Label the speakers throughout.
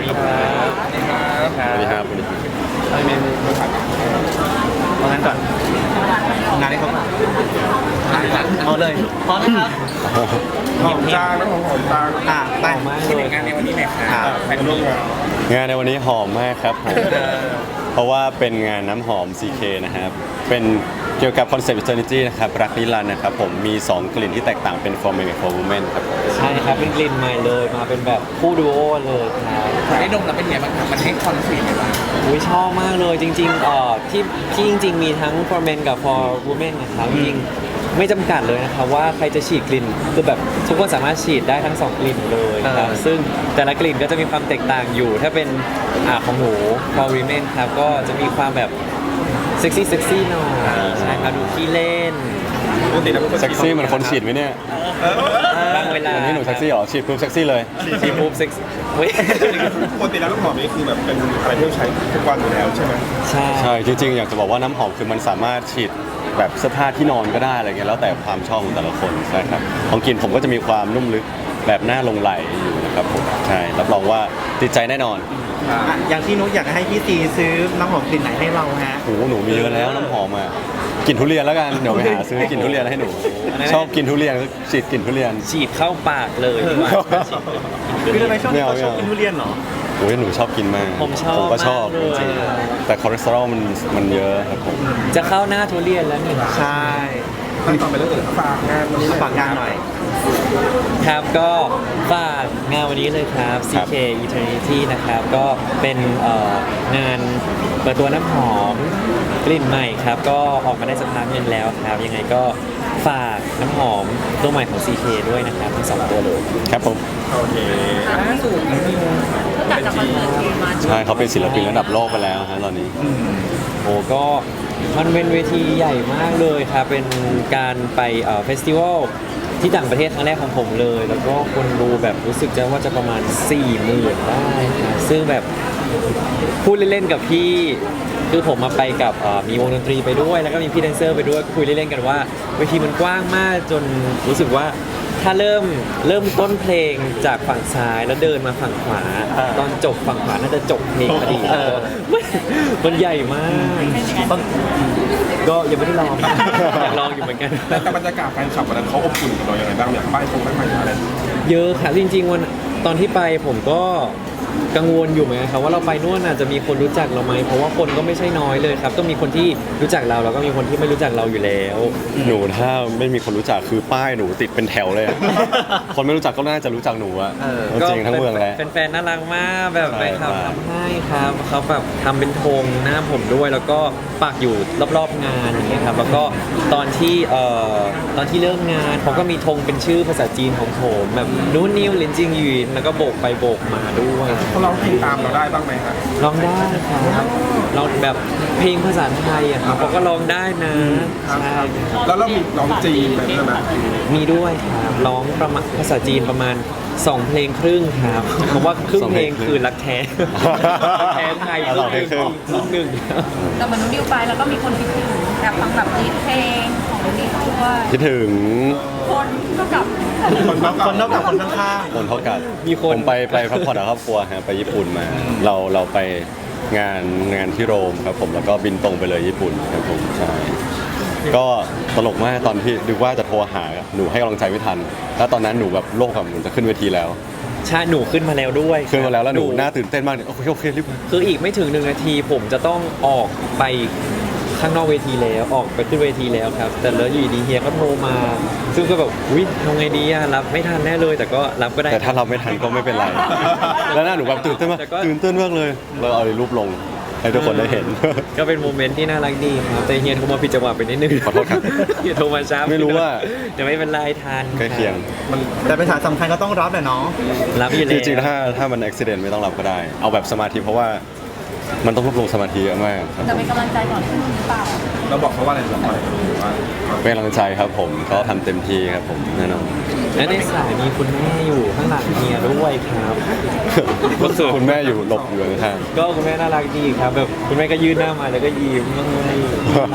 Speaker 1: ครับสวัสดีครับอะไรเมนูเอางั้นก่อนงานนี้เขาเอาเลยพร้อมไหมครับ
Speaker 2: หอมจางแล้วหอมจาง
Speaker 1: ไป
Speaker 2: ที่งานในวันนี้หน่อยครับแฟนร่วม
Speaker 3: งานในวันนี้หอมมากครับผมเพราะว่าเป็นงานน้ำหอม CK นะครับเป็นเกี่ยวกับคอนเซ็ปต์ Eternity นะครับรักนิรันดร์นะครับผมมี2กลิ่นที่แตกต่างเป็น for men กับ for women ครับ
Speaker 1: ใช่ครับเป็นกลิ่นใหม่เลยมาเป็นแบบคู่ดูโอเลยครับ
Speaker 2: ได้ดมแล้วเป็นไงบ้างครับมันให้คอนฟีลไงบ้าง
Speaker 1: อุ้ยชอบมากเลยจริงๆที่จริงๆมีทั้ง for men กับ for women นะครับจริงไม่จำกัดเลยนะครับว่าใครจะฉีดกลิ่นคือแบบทุกคนสามารถฉีดได้ทั้ง2กลิ่นเลยครับซึ่งแต่ละกลิ่นก็จะมีความแตกต่างอยู่ถ้าเป็นของหนู for women ครับก็จะมีความแบบเซ็กซี่หน่อยใช่ครับดูขี้เล่น
Speaker 3: เซ็กซี่เหมือนคนฉีดไหมเนี่ย
Speaker 1: บางเวลา
Speaker 3: วันนี้หนูเซ็กซี่เหรอฉีดปุ๊บเซ็กซี่เลย
Speaker 1: ฉีดปุ๊บเซ็กซี่
Speaker 2: ปกติแล้วน้ำหอมนี่คือแบบเป็นอะไรที่ใช้ทุกวันอยู่แล้วใช่ไหม
Speaker 3: ใช่จริงๆอยากจะบอกว่าน้ำหอมคือมันสามารถฉีดแบบเสื้อผ้าที่นอนก็ได้อะไรเงี้ยแล้วแต่ความชอบของแต่ละคนใช่ครับของกลิ่นผมก็จะมีความนุ่มลึกแบบหน้าลงไหลอยู่นะครับผมใช่รับรองว่าติดใจแน่นอน
Speaker 4: อย่างที่นุ๊กอยากให้พี่ตีซื้อน้ำหอมกลิ่นไหนให้เราฮะ
Speaker 3: โอ้หนูมีเยอะแล้วน้ำหอมอ่ะกลิ่นทุเรียนแล้วกันเดี๋ยวไปหาซื้อกลิ่นทุเรียนให้หนูชอบกินทุเรียนก็ฉีดกลิ่นทุเรียน
Speaker 1: ฉีดเข้าปากเลยดีกว่า
Speaker 4: คือทำไมชอบกินทุเรียนเหรอ
Speaker 3: โอ้ยหนูชอบกินมาก
Speaker 1: ผม
Speaker 3: ก็ชอบจริงๆแต่คอเลสเตอรอลมันเยอะครับผม
Speaker 1: จะเข้าหน้าทุเรียนแล้วนี่
Speaker 4: ใช่
Speaker 2: ขั้นตอนไปเรื่องอื่นฝากงานวันนี้
Speaker 4: ฝากงานหน่อย
Speaker 1: ครับก็ฝากงานวันนี้เลยครับ CK Eternity นะครับก็เป็นงานเปิดตัวน้ำหอมกลิ่นใหม่ครับก็ออกมาได้สักพักนึงแล้วครับยังไงก็ฝากน้ำหอมตัวใหม่ของ CK ด้วยนะครับทั้ง2ตัวเลย
Speaker 3: ครับผม
Speaker 2: โอเค
Speaker 5: สูตรจากคอนเสิร์ตทีมา
Speaker 3: ใช่เขาเป็นศิลปินระดับโลกไปแล้วฮะตอนนี้
Speaker 1: โอ้ก็มันเป็นเวทีใหญ่มากเลยครับเป็นการไปเฟสติวัลที่ต่างประเทศครั้งแรกของผมเลยแล้วก็คนดูแบบรู้สึกจะว่าจะประมาณ 40,000 ได้นะซึ่งแบบพูดเล่นๆกับพี่คือผมมาไปกับมีวงดนตรีไปด้วยแล้วก็มีพี่แดนเซอร์ไปด้วยคุยเล่นๆกันว่าเวทีมันกว้างมากจนรู้สึกว่าถ้าเริ่มต้นเพลงจากฝั่งซ้ายแล้วเดินมาฝั่งขวาตอนจบฝั่งขวาน่าจะจบเพลงพอดีมันใหญ่มากก็ยังไม่ได้ลองอยากลองอยู่เหมือนกัน
Speaker 2: แต่บรรยากาศแฟนคลับวันนั้นเขาอบอุ่นกับเราอย่างไรบ้างอย่างป้ายใหม่อะไร
Speaker 1: เยอะค่ะจริงๆวันตอนที่ไปผมก็กังวลอยู่เหมือนกันครับว่าเราไปนู่นอาจจะมีคนรู้จักเราไหมเพราะว่าคนก็ไม่ใช่น้อยเลยครับก็มีคนที่รู้จักเราแล้วก็มีคนที่ไม่รู้จักเราอยู่แล้ว
Speaker 3: หนูถ้าไม่มีคนรู้จักคือป้ายหนูติดเป็นแถวเลยคนไม่รู้จักก็น่าจะรู้จักหนูอะจริงทั้งเมืองแล้ว
Speaker 1: แฟนๆน่ารักมากแบบไปทำให้ครับเขาแบบทำเป็นธงหน้าผมด้วยแล้วก็ปักอยู่รอบๆงานอย่างเงี้ยครับแล้วก็ตอนที่เริ่มงานเขาก็มีธงเป็นชื่อภาษาจีนของผมแบบนู้นนิวลินจิงยูนแล้วก็โบกไปโบกมาด้วย
Speaker 2: เขาร้องเพลงตามเราได้บ้างไหมครับ
Speaker 1: ร้องได้ครับเราแบบเพลงภาษาไทยอะครับเขาก็ร้องได้นะใช่
Speaker 2: แล้วเรามีร้องจีนแบบนั้นไหม
Speaker 1: มีด้วยครับร้องประมาณภาษาจีนประมาณ2 เพลงครึ่งครับเพราะว่าครึ่งเพลงคือรักแท้แท้ไทยครึ่งหนึ่ง
Speaker 5: แต่เหมือนนุ่นดิวไปแล้วก็มีคนคิดถึงแบบฟังแบบนี้เพลงของนุ่นดิวด้วย
Speaker 3: คิดถึง
Speaker 5: คนเท่ากับ
Speaker 4: คนเท่ากับคนข้าง
Speaker 3: ๆคนเท่ากันผมไปพักผ่อนกับครอบครัวฮะไปญี่ปุ่นมาเราไปงานที่โรมครับผมแล้วก็บินตรงไปเลยญี่ปุ่นครับผมใช่ก็ตลกมากตอนที่ดูว่าจะโทรหาหนูให้กำลังใจไม่ทันแล้วตอนนั้นหนูแบบโลกแบบหนูจะขึ้นเวทีแล้ว
Speaker 1: ใช่หนูขึ้นมาแล้วด้วย
Speaker 3: ขึ้นมาแล้วหนูน่าตื่นเต้นมากโอเครีบ
Speaker 1: คืออีกไม่ถึง1 นาทีผมจะต้องออกไปข้างนอกเวทีแล้วออกไปขึ้นเวทีแล้วครับแต่แล้วอยู่ดีเฮียก็โทรมาซึ่งก็แบบวิทำไงดีอะรับไม่ทันแน่เลยแต่ก็รับก็ได้
Speaker 3: แต่ถ้าเราไม่ทันก็ไม่เป็นไรแล้วหน้าหนูแบบตื่นเต้นมากเลยเราเอารูปลงให้ทุกคนได้เห็น
Speaker 1: ก็เป็นโมเมนต์ที่น่ารักดีครับแต่เฮียโทรมาผิดจังหวะไปนิดนึง
Speaker 3: ขอโทษครับ
Speaker 1: เฮียโทรมาช้า
Speaker 3: ไม่รู้ว่า
Speaker 1: แต่ไม่เป็นไรทัน
Speaker 3: ใกล้เคียง
Speaker 4: แต่เป็นสารสำคัญก็ต้องรับแหละเนาะ
Speaker 1: รับอยู่แล้ว
Speaker 3: จริงๆถ้ามันอุบิเหตุไม่ต้องรับก็ได้เอาแบบสมาธิเพราะว่ามันต้องรวบรวมสมาธิเยอะมาก
Speaker 5: จะเป็นกำลังใจก่อนขึ้นหรือเปล่า
Speaker 2: เราบอกเขาว่าอะไรเรา
Speaker 3: เป็นกำลังใจครับผมเขาทำเต็มที่ครับผมแน่นอน
Speaker 1: และในสายมีคุณแม่อยู่ข้างหลังเฮียด้วยครับ
Speaker 3: ก็คือคุณแม่อยู่หลบอยู่ข้าง
Speaker 1: ก็คุณแม่น่ารักดีครับแบบคุณแม่ก็ยื่นหน้ามาแล้วก็ยิ้ม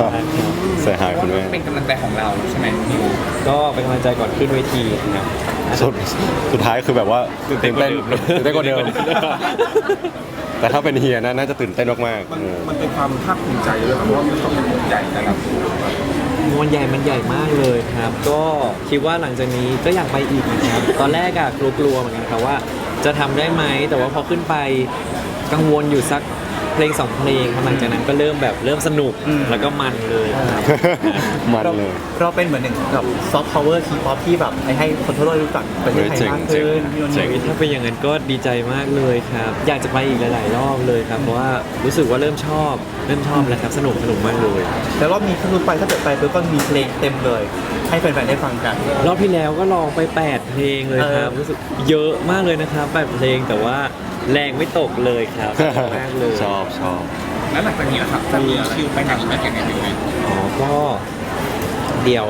Speaker 3: เสียหายคุณแม่
Speaker 2: เป็นกำลังใจของเราใช่ไหม
Speaker 1: ก็เป็นกำลังใจก่อนขึ้นเวทีครับ
Speaker 3: สุดท้ายคือแบบว่าตื่นเต้นกว่าเดิม แต่ถ้าเป็นเฮียน่าจะตื่นเต้นมาก
Speaker 2: มันเป็นความภาคภูมิใจด้วยครับเพราะว่ามันต้องเป็นใหญ่นะครับ
Speaker 1: มันใหญ่มากเลยครับ ก็คิดว่าหลังจากนี้ก็อยากไปอีกนะครับ ตอนแรกอะกลัวๆเหมือนกันครับว่าจะทำได้ไหม แต่ว่าพอขึ้นไปกังวลอยู่สักเพลง2เพลงครับหลังจากนั้นก็เริ่มสนุกแล้วก็มันเลยครับ
Speaker 3: ๆ มันเลย
Speaker 4: เราเป็นเหมือนหนึ่งกับซอฟต์พาวเวอร์ทีป๊อปที่แบบให้คนทั่วโลกรู้จักประเทศไทยมากขึ้นพี่นนท์
Speaker 1: ถ้าเป็นอย่างนั้นก็ดีใจมากเลยครับ อยากจะไปอีกหลายๆรอบเลยครับ เพราะว่ารู้สึกว่าเริ่มชอบแล้วครับสนุกมากเลย
Speaker 4: แล้วรอบนี้ถ้าเกิดไปปุ๊บก็มีเพลงเต็มเลย ให้แฟนๆได้ฟังกัน
Speaker 1: รอบที่แล้วก็ลองไป8เพลงเลยครับ รู้สึกเยอะมากเลยนะครับ8เพลงแต่ว่าแรงไม่ตกเลยครับ มากเลย
Speaker 3: ชอบ
Speaker 2: แล้วหลังจากนี้นะครับจะมีคิวไปไหนอีกไหมยังไงดีไหม
Speaker 1: อ๋อก็เดี๋ยว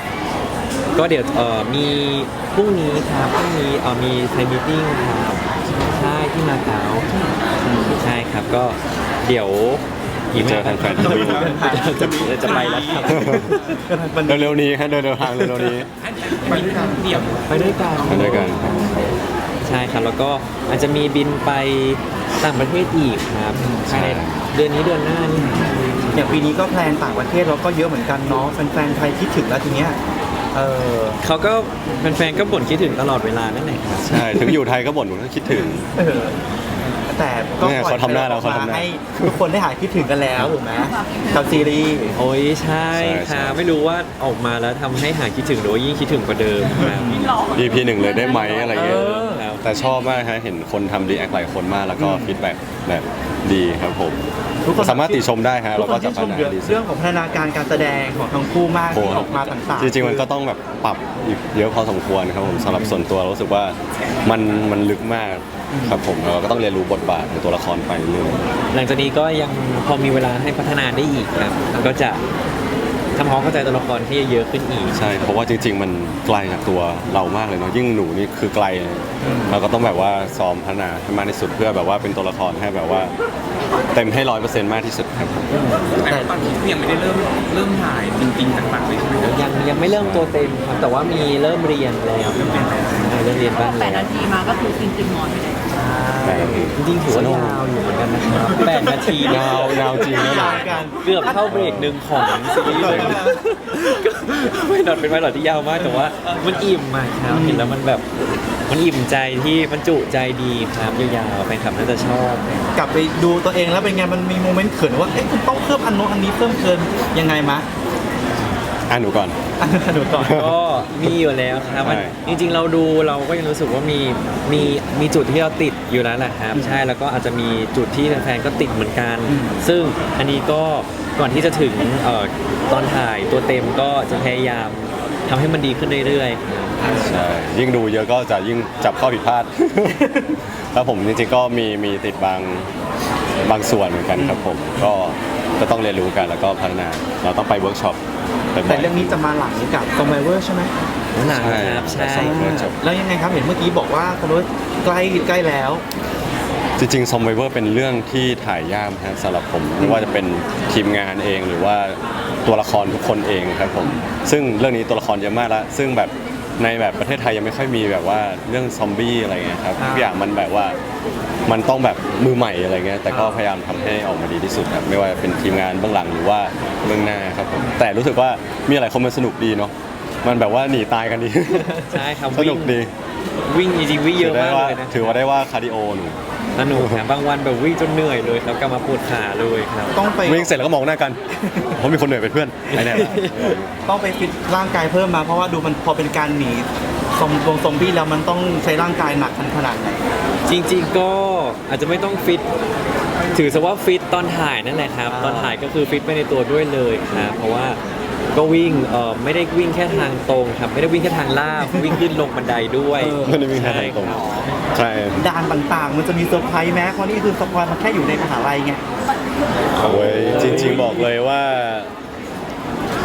Speaker 1: มีพรุ่งนี้ครับพรุ่งนี้มีไทม์มีตติ้งครับใช่ที่มาเก๊าใช่ครับก็เดี๋ยวอีกไม่
Speaker 3: เจอแฟนๆที่นู่น
Speaker 1: จะไปแล้วครับ
Speaker 3: เร็วๆนี้ฮะเดินทางเร็วๆนี้
Speaker 2: ไปด้วยกันเดี่ยว
Speaker 1: ไปด้วยกัน
Speaker 3: ไปด้วยกัน
Speaker 1: ใช่ครับแล้วก็อาจจะมีบินไปต่างประเทศอีกครับภายในเดือนนี้เดือนหน้านี่
Speaker 4: อย่างปีนี้ก็แพลนต่างประเทศเราก็เยอะเหมือนกันเนาะแฟนๆไทยคิดถึงแล้วทีเนี้ย
Speaker 1: เขาก็แฟนๆก็บ่นคิดถึงตลอดเวลานั่นแหละครับ
Speaker 3: ใช่ ถึงอยู่ไทยก็บ่นก็คิดถึง
Speaker 4: เออแต่ก็
Speaker 3: เนี่ย
Speaker 4: ปล่อย
Speaker 3: เขาทำหน้าแล้ว
Speaker 4: ออก
Speaker 3: เขาทำหน้า
Speaker 4: ให้ทุกคนได้หายคิดถึงกันแล้วถูกไหมกับซีรีส์
Speaker 1: โอ้ยใช่
Speaker 3: ใช่
Speaker 1: ค่ะไม่รู้ว่าออกมาแล้วทำให้หายคิดถึงหรือว่ายิ่งคิดถึงกว่าเดิมครับ
Speaker 3: EP 1เลยได้ไหมอะไรเงี้ย
Speaker 1: ครับ
Speaker 3: แต่ชอบมากฮะเห็นคนทำรีแอคหลายคนมากแล้วก็ฟีดแบ็กแบบดีครับผม
Speaker 4: ทุกคน
Speaker 3: สามารถติชมได้ฮะ
Speaker 4: ทุ
Speaker 3: เรา
Speaker 4: กค
Speaker 3: ก็
Speaker 4: น
Speaker 3: จะ
Speaker 4: ที่ช
Speaker 3: พัฒ
Speaker 4: ม
Speaker 3: นา
Speaker 4: เรื่อง
Speaker 3: ดีสุด
Speaker 4: เรื่องของพัฒนาการการแสดงของทั้งคู่มากที่ออกมาต่างๆ
Speaker 3: จริงๆมันก็ต้องแบบปรับอีกเยอะพอสมควรครับผมสำหรับส่วนตัวรู้สึกว่ามันลึกมากครับผมเราก็ต้องเรียนรู้บทบาทของตัวละครไปเรื่อย
Speaker 1: หลังจากนี้ก็ยังพอมีเวลาให้พัฒนาได้อีกครับแล้วก็จะทำความเข้าใจตัวละครที่เยอะขึ้นอีก
Speaker 3: ใช่เพราะว่าจริง ๆ มันไกลจากตัวเรามากเลยเนาะยิ่งหนูนี่คือไกลเราก็ต้องแบบว่าซ้อมพัฒนาให้มากที่สุดเพื่อแบบว่าเป็นตัวละครให้แบบว่าเต็มให้100%มากที่สุดครับ
Speaker 2: แต่ตอนนี้ยังไม่ได้เริ่มถ่ายจริงๆต่างๆเลยใช่ไหมครับ
Speaker 1: ยังไม่เริ่มตัวเต็มครับแต่ว่ามีเริ่มเรียนแล้วเริ่มเรียนบ้าง
Speaker 5: แปด
Speaker 1: แล้ว
Speaker 5: นาทีมาก็คือจริงๆหมอนไปเลย
Speaker 1: จริงๆถือว่ายาวอยู่เหมือนกันนะครับ8 นาที
Speaker 3: ยาวจริงนะ
Speaker 4: ยาวกัน
Speaker 1: เกือบเข้าเบรกหนึ่งของซีรีส์เลยไม่นอนเป็นไพลอตที่ยาวมากแต่ว่ามันอิ่มมากครับเห็นแล้วมันแบบมันอิ่มใจที่มันจุใจดีครับยาวๆแฟนคลับน่าจะชอบ
Speaker 4: กลับไปดูตัวเองแล้วเป็นไงมันมีโมเมนต์เขินว่าเอ๊ะคุณต้องเพิ่มอันโน้นอันนี้เพิ่มเกินยังไงมะ
Speaker 3: หนูก่อน
Speaker 4: อันหนูก่อน
Speaker 1: ก็มีอยู่แล้วครับมัน
Speaker 3: ใช่
Speaker 1: จริงๆเราดูเราก็ยังรู้สึกว่ามีจุดที่เราติดอยู่แล้วแหละครับใช่แล้วก็อาจจะมีจุดที่แฟนๆก็ติดเหมือนกัน ซึ่งอันนี้ก็ก่อนที่จะถึงตอนถ่ายตัวเต็มก็จะพยายามทำให้มันดีขึ้นเรื่อยๆครับ
Speaker 3: ใช่ยิ่งดูเยอะก็จะยิ่งจับข้อผิดพลาด แล้วผมจริงๆก็มีติดบางส่วนเหมือนกันครับผมก็ต้องเรียนรู้กันแล้วก็พัฒนาเราต้องไปเวิร์กช็อปบ่อยๆ
Speaker 4: แต่เรื่องนี้จะมาหลังกับคอมไบเวอร์ใช่ไหม
Speaker 1: หนังครับใช่
Speaker 3: ใช่
Speaker 4: แล้วยังไงครับเห็นเมื่อกี้บอกว่าคอมไบเวอร์ใกล้แล้ว
Speaker 3: จริงๆซอมไบเวอร์เป็นเรื่องที่ถ่ายยากฮะสำหรับผมไม่ว่าจะเป็นทีมงานเองหรือว่าตัวละครทุกคนเองครับผมซึ่งเรื่องนี้ตัวละครเยอะมากแล้วซึ่งแบบในแบบประเทศไทยยังไม่ค่อยมีแบบว่าเรื่องซอมบี้อะไรเงี้ยครับทุกอย่างมันแบบว่ามันต้องแบบมือใหม่อะไรเงี้ยแต่ก็พยายามทำให้ออกมาดีที่สุดครับไม่ว่าเป็นทีมงานเบื้องหลังหรือว่าเบื้องหน้าครับผมแต่รู้สึกว่ามีอะไรคนมันสนุกดีเนาะมันแบบว่าหนีตายกันดี
Speaker 1: ใช่ครับ
Speaker 3: สนุกดี
Speaker 1: วิ่งจริงๆวิ่งเยอะมากเลยนะ
Speaker 3: ถือว่าได้ว่าคาร์ดิโอหนู
Speaker 1: สนุกครับบางวันแบบวิ่งจนเหนื่อยเลยครับกลับมาปวดขาเลยครับ
Speaker 4: ต้องไป
Speaker 3: วิ่งเสร็จแล้วก็มองหน้ากันเพราะมีคนเหนื่อยเป็นเพื่อนไอ้แน่ละ
Speaker 4: ต้องไปฟิตร่างกายเพิ่มมาเพราะว่าดูมันพอเป็นการหนีซอมบี้แล้วมันต้องใช้ร่างกายหนักขนาดไหน
Speaker 1: จริงๆก็อาจจะไม่ต้องฟิตถือซะว่าฟิตตอนถ่ายนั่นแหละครับตอนถ่ายก็คือฟิตไปในตัวด้วยเลยครับเพราะว่าก็วิ่งไม่ได้วิ่งแค่ทางตรงครับไม่ได้วิ่งแค่ทางลาบ วิ่งขึ้นลงบันไดด้วย
Speaker 3: ไม่ได้วิ่งทางตรง
Speaker 1: ใช่ครับ
Speaker 3: ใช่
Speaker 4: ด่านต่างๆ มันจะมีเซอร์ไพรส์แม้เพราะนี่คือสปอยล์มันแค่อยู่ในมหาลัยไง
Speaker 3: โอ้ยจริงๆบอกเลยว่า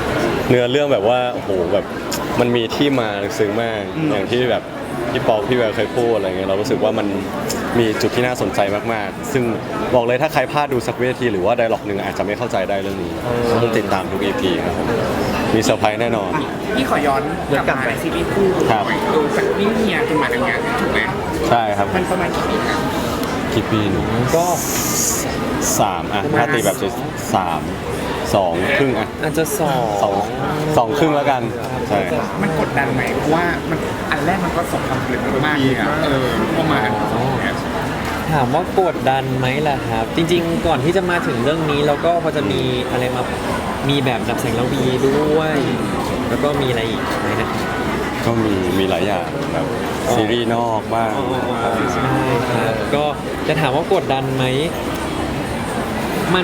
Speaker 3: เนื้อเรื่องแบบว่าโอ้โหแบบมันมีที่มาลึกซึ้งมากอย่างที่แบบพี่ปอพี่แววเคยพูดอะไรเงี้ยเรารู้สึกว่ามันมีจุดที่น่าสนใจมากๆ ซึ่งบอกเลยถ้าใครพลาดดูสักเวทีหรือว่าไดร็อกหนึ่งอาจจะไม่เข้าใจได้เรื่องนี้ต้องติดตามทุก EP ครับผมมีเซอร์ไพรส์แน่นอน
Speaker 6: พี่ขอย้อนกลับมาในซีรีส์คู่
Speaker 3: ครับ
Speaker 6: ดูสักนิดเฮียจนมาทำงานถูกไหม
Speaker 3: ใช่ครับ
Speaker 6: มันประมาณกี่ปีครับ
Speaker 3: กี่ปีหนู
Speaker 1: ก็
Speaker 3: 3อ่ะถ้าตีแบบ3 2 ครึ่งอ่ะ
Speaker 1: อาจจะ
Speaker 3: 2 ครึ่งแล้วกันใช่
Speaker 6: มันกดดันไหมเพราะว่ามันอันแรกมันก็สมความสำเร็จมากเลยอ่ะพอมาอันสองเนี่ย
Speaker 1: ถามว่ากดดันไหมล่ะครับ จริงๆ ก่อนที่จะมาถึงเรื่องนี้เราก็พอจะมีอะไรมามีแบบดับแสงระวีด้วย แล้วก็มีอะไรอีกไหมนะ
Speaker 3: ก็มีหลายอย่างแบบซีรีส์นอกบ้าง
Speaker 1: ใช่ครับก็จะถามว่ากดดันไหมมัน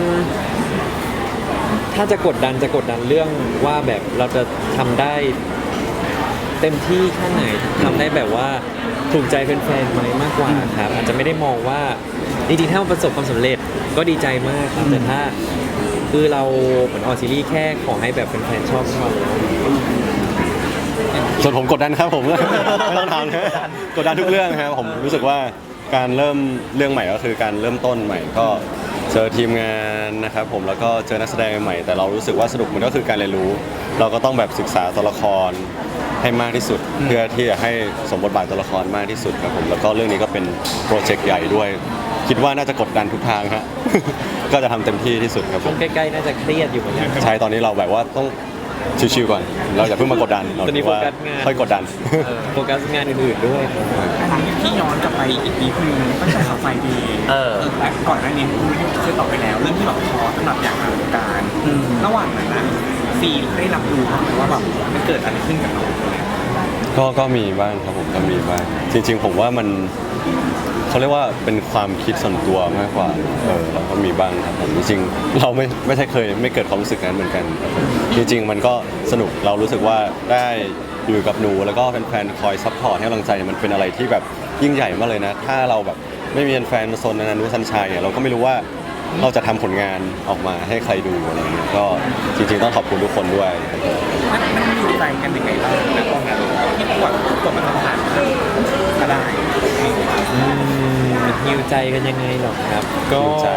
Speaker 1: ถ้าจะกดดันเรื่องว่าแบบเราจะทำได้เต็มที่แค่ไหนทำได้แบบว่าถูกใจแฟนๆไหมมากกว่าครับอาจจะไม่ได้มองว่าจริงๆถ้ามันประสบความสำเร็จก็ดีใจมากครับแต่ถ้าคือเราเหมือนออกซีรีส์แค่ขอให้แบบแฟนๆชอบก็พอแล้ว
Speaker 3: ส่วนผมกดดันครับผม ไม่ต้องถามนะกดดันทุกเรื่องครับผมรู้สึกว่าการเริ่มเรื่องใหม่ก็คือการเริ่มต้นใหม่ก็เจอทีมงานนะครับผมแล้วก็เจอนักแสดงใหม่แต่เรารู้สึกว่าสนุกมันก็คือการเรียนรู้ เราก็ต้องแบบศึกษาตัวละครให้มากที่สุด เพื่อที่จะให้สมบทบาทตัวละครมากที่สุดครับผมแล้วก็เรื่องนี้ก็เป็นโปรเจกต์ใหญ่ด้วย คิดว่าน่าจะกดดันทุกทางฮะ ก็จะทำเต็มที่ที่สุดครับผ
Speaker 1: ช่ว
Speaker 3: ม
Speaker 1: งใกล้ๆน่าจะเครียดอยู่เหมือนกัน
Speaker 3: ใช่ตอนนี้เราแบบว่าต้องชิวๆก่อน เราอย่าเพิ่งมากดดันเรา
Speaker 1: ตอนนี้
Speaker 3: ว่า
Speaker 1: โฟกัสงาน
Speaker 3: ค่อยกดดัน
Speaker 1: โฟกัสงานอื่นๆด้วยครับ
Speaker 6: ที่ย้อนกลับไปอีกนิดนึงตั้งแต่ขับไฟดีและก่อนหน้านี้คุณเคยตอบไปแล้วเรื่องที่แบบท้อสำหรับอยากหาวงการระหว่างนั้นนะซีได้รับรู้บ้างไหมว่าแบบมันเกิดอะไรขึ้นกับน้องเนี่ย
Speaker 3: ก็มีบ้างครับผมก็มีบ้างจริงๆผมว่ามันเขาเรียกว่าเป็นความคิดส่วนตัวมากกว่าเราก็มีบ้างครับผมจริงๆเราไม่ใช่เคยไม่เกิดความรู้สึกนั้นเหมือนกันครับผมจริงๆมันก็สนุกเรารู้สึกว่าได้อยู่กับหนูแล้วก็แฟนๆคอยซัพพอร์ตให้กำลังใจมันเป็นอะไรที่แบบยิ่งใหญ่มากเลยนะถ้าเราแบบไม่มีแฟนมาโซนนันนุสันชัยเราก็ไม่รู้ว่าเราจะทำผลงานออกมาให้ใครดูอะไรเงี้ยก็จริงๆต้องขอบคุณทุกคนด้วย
Speaker 6: มันอยู่ใจกันยังไงบ้างนะตอนนั้นที่กว่ามันต้องผ่านมาได้
Speaker 1: ฮิวใจกันยังไงหรอครับ ก็
Speaker 3: ฮิวใจ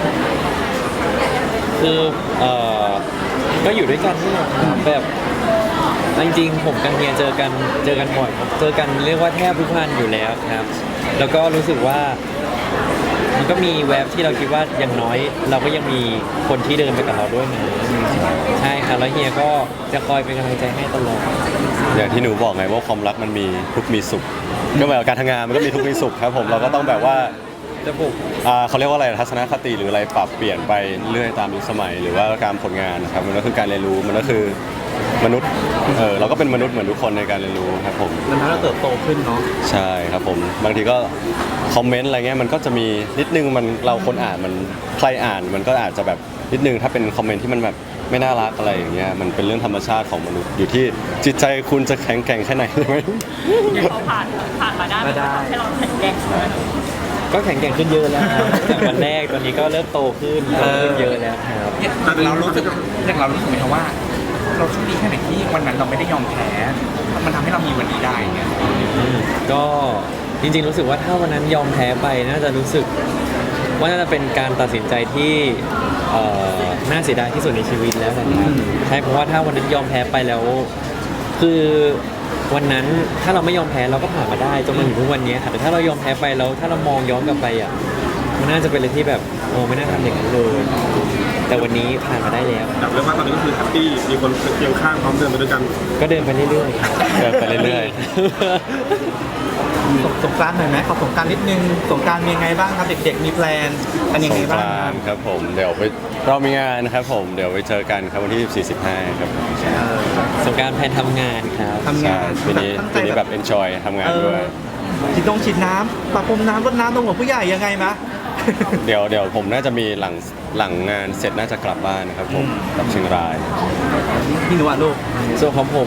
Speaker 1: คือก็อยู่ด้วยกันนี่แหละครับแบบจริงๆผมกับเฮียเจอกันบ่อยครับเจอกันเรียกว่าแทบทุกวันอยู่แล้วครับ แล้วก็รู้สึกว่ามันก็มีแวบที่เราคิดว่าอย่างน้อย เราก็ยังมีคนที่เดินไปกับเราด้วยนะใช่ครับแล้วเฮียก็จะคอยเป็นกำลังใจให้ตลอด
Speaker 3: อย่างที่หนูบอกไงว่าความรักมันมีทุกข์มีสุขก็แบบการทำงานมันก็มีทุกข์มีสุขครับผมเราก็ต้องแบบว่า
Speaker 1: จะปลุก
Speaker 3: เขาเรียกว่าอะไรทัศนคติหรืออะไรปรับเปลี่ยนไปเรื่อยตามยุคสมัย หรือว่าการผลงานนะครับมันก็คือการเรียนรู้มันก็คือมนุษย์เราก็เป็นมนุษย์เหมือนทุกคนในการเรียนรู้ครับผม
Speaker 4: มันทำให้เราเติบโตขึ้นเนาะ
Speaker 3: ใช่ครับผมบางทีก็คอมเมนต์อะไรเงี้ยมันก็จะมีนิดนึงมันเราคนอ่านมันใครอ่านมันก็อาจจะแบบนิดนึงถ้าเป็นคอมเมนต์ที่มันแบบไม่น่ารักอะไรอย่างเงี้ยมันเป็นเรื่องธรรมชาติของมนุษย์อยู่ที่จิตใจคุณจะแข็งแกร่งแค่ไหนใช่ไหม
Speaker 5: พอผ่านมาได้มันก็ทำให้เราแข็งแกร่งขึ้น
Speaker 1: ก็แข็งแกร่งขึ้นเยอะแล้วครับจากวันแรกตอนนี้ก็เริ่มโตขึ้นเยอะแล้วครับ
Speaker 6: แต่เรารู้สึกไหมครับว่า เราโชคดีแค่ไหนที่วันนั้นเราไม่ได้ยอมแพ้ มันทำให้เรามีวันนี้ได้เนี่ย
Speaker 1: ก็จริงๆรู้สึกว่าถ้าวันนั้นยอมแพ้ไปน่าจะรู้สึกว่าน่าจะเป็นการตัดสินใจที่น่าเสียดายที่สุดในชีวิตแล้วนะครับใช่เพราะว่าถ้าวันนั้นยอมแพ้ไปแล้ว คือวันนั้นถ้าเราไม่ยอมแพ้เราก็ผ่านมาได้จนมาถึงทุกวันนี้ค่ะแต่ถ้าเรายอมแพ้ไปแล้วถ้าเรามองย้อนกลับไปอ่ะมันน่าจะเป็นอะไรที่แบบโอ้ไม่น่าทำอย่างนั้นเลยแต่วันนี้ผ่านมาได้แล้ว
Speaker 2: แบบเรียกว่าตอนนี้ก็คือแฮปปี้มีคนเคียงข้างพร้อมเดินไปด้วยกัน
Speaker 1: ก็เดินไปเรื่อยๆครับ
Speaker 3: เดินไปเรื่อย
Speaker 4: สงกรานต์หน่อยไหมขอสงกรานต์นิดนึงสงกรานต์มียังไงบ้างครับเด็กๆมีแพลนกันยัง
Speaker 3: ส
Speaker 4: ไง
Speaker 3: งก
Speaker 4: บ้าง
Speaker 3: รานต์ครับผมเดี๋ยวเรามีงานนะครับผมเดี๋ยวไปเจอกันครับวันที่14-15ครับผม
Speaker 1: สงกรารแพนทำงานครับ
Speaker 4: ทำงาน
Speaker 3: ปีนี้แบบ enjoy ทำงานด้วย
Speaker 4: ฉีดน้ำประพรมน้ำรดน้ำตรงหัวผู้ใหญ่ยังไงมะ
Speaker 3: เดี๋ยวผมน่าจะมีหลังงานเสร็จน่าจะกลับบ้านนะครับผมกลับเชียงราย
Speaker 4: พี่หนูอ่ะลูก
Speaker 1: ส่วนของผม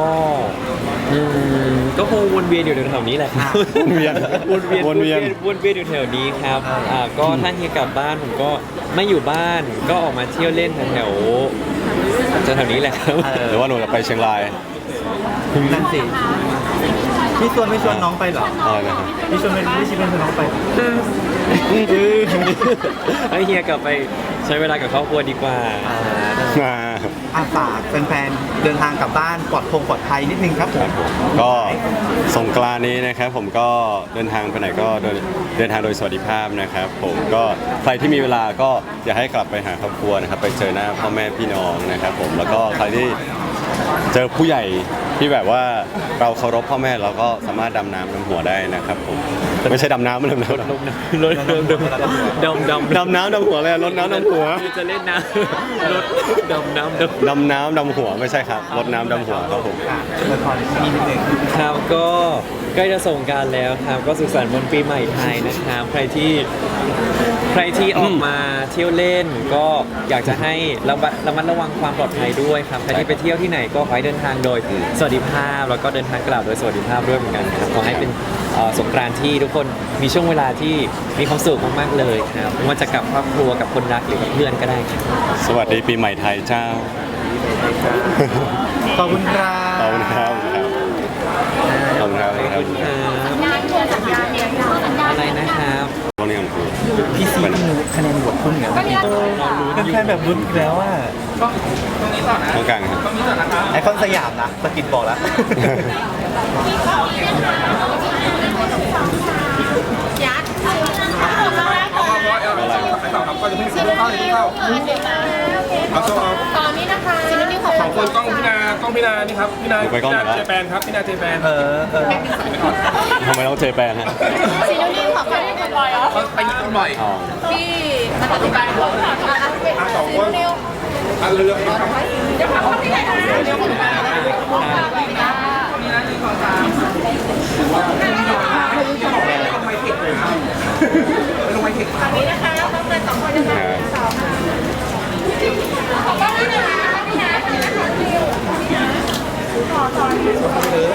Speaker 1: ก็คงวนเวียนอยู่แถวๆนี้แหละครับ
Speaker 3: วนเวียน
Speaker 1: วนเวียนอยู่แถวนี้ครับก็ถ้าเฮียกลับบ้านผมก็ไม่อยู่บ้านก็ออกมาเที่ยวเล่นแถวจะแถวนี้แหละครับ
Speaker 3: หรือว่าหนูจะไปเชียงราย
Speaker 4: นั่นสิพี่ชวนไม่ชวนน้องไปเหรอ
Speaker 3: อะไรนะครับ
Speaker 4: พี่ชวนไม่ชวนน้องไป
Speaker 1: ให้เฮียกลับไปใช้เวลากับครอบครัวดีกว่า
Speaker 4: อาฝากแฟนๆเดินทางกลับบ้านปลอดภัยนิดนึงครับผม
Speaker 3: ก็สงกรานต์นี้นะครับผมก็เดินทางไปไหนก็เดินทางโดยสวัสดิภาพนะครับผมก็ใครที่มีเวลาก็อยากให้กลับไปหาครอบครัวนะครับไปเจอหน้าพ่อแม่พี่น้องนะครับผมแล้วก็ใครที่เจอผู้ใหญ่ที่แบบว่าเราเคารพพ่อแม่เราก็สามารถดำน้ำดำหัวได้นะครับผมไม่ใช่ดำน้ำไม่ดำน้ำ
Speaker 1: รถดำ
Speaker 3: ดำน้ำดำหัวเลยรดน้ำดำหัว
Speaker 1: จะเล่นน้ำรถดำน้ำ
Speaker 3: ดำน้ำดำหัวไม่ใช่ครับรดน้ำดำหัวครับผม
Speaker 4: ช่วยพรนิดนึง
Speaker 1: ครับก็ใกล้จะส่งกรารแล้วครับก็สุขสันต์วันปีใหม่ไทยนะครับใครที่ออกมาเที่ยวเล่นก็อยากจะให้ระมัดระวังความปลอดภัยด้วยครับใครที่ไปเที่ยวที่ไหนก็ขอให้เดินทางโดยสวัสดิภาพแล้วก็เดินทางกลับโดยสวัสดิภาพด้วยเหมือนกันครับขอให้เป็นสงกรานต์ที่ทุกคนมีช่วงเวลาที่มีความสุขมากๆเลยครับไม่ว่าจะกับครอบครัวกับคนรักหรือกับเพื่อนก็ได้ครับ
Speaker 3: สวัสดีปีใหม่ไทยเจ้า
Speaker 4: ขอบคุณครับ
Speaker 3: ขอบคุณครับขอบคุณครับขอบคุณครับ
Speaker 5: สัญญาเนี่ยสัญญา
Speaker 1: อะไรนะครับ
Speaker 3: ตรงนี้ของครู
Speaker 4: พี่ซีคะแนนโหวตพุ่งเนี่ยเป็นแฟนแบบรุ้นอีกแล้วอ่ะ
Speaker 3: ตรงกลางครับ
Speaker 4: ไอคอนสยามนะสกิดบอกแล้ว
Speaker 5: ยัด
Speaker 2: ไปต่อครับก็จะเพิ่งเข้าเอาโซ่เอา
Speaker 5: ตอนนี้นะคะซินนี่ของ
Speaker 2: สองคนกล้องพี่นานี่ครับพี่นาเจแปนครับพี่นาเจแปน
Speaker 3: ทำไมต้องเจแปนฮะ
Speaker 5: ซินนี่ของใครเป็นบอยเหรอ
Speaker 2: เขาไปญี่ปุ่นบ่อย
Speaker 3: อ๋อ
Speaker 5: พี่มาตัดสินใจของ
Speaker 2: สองคนอันเรือครับ
Speaker 5: เดี๋ยวเขาที่ไหนเดี๋ยวผมมาตอนนี้นะคะต้องเดินสองคนนะคะสองขอบคุณนะคะพี่นะขอตอน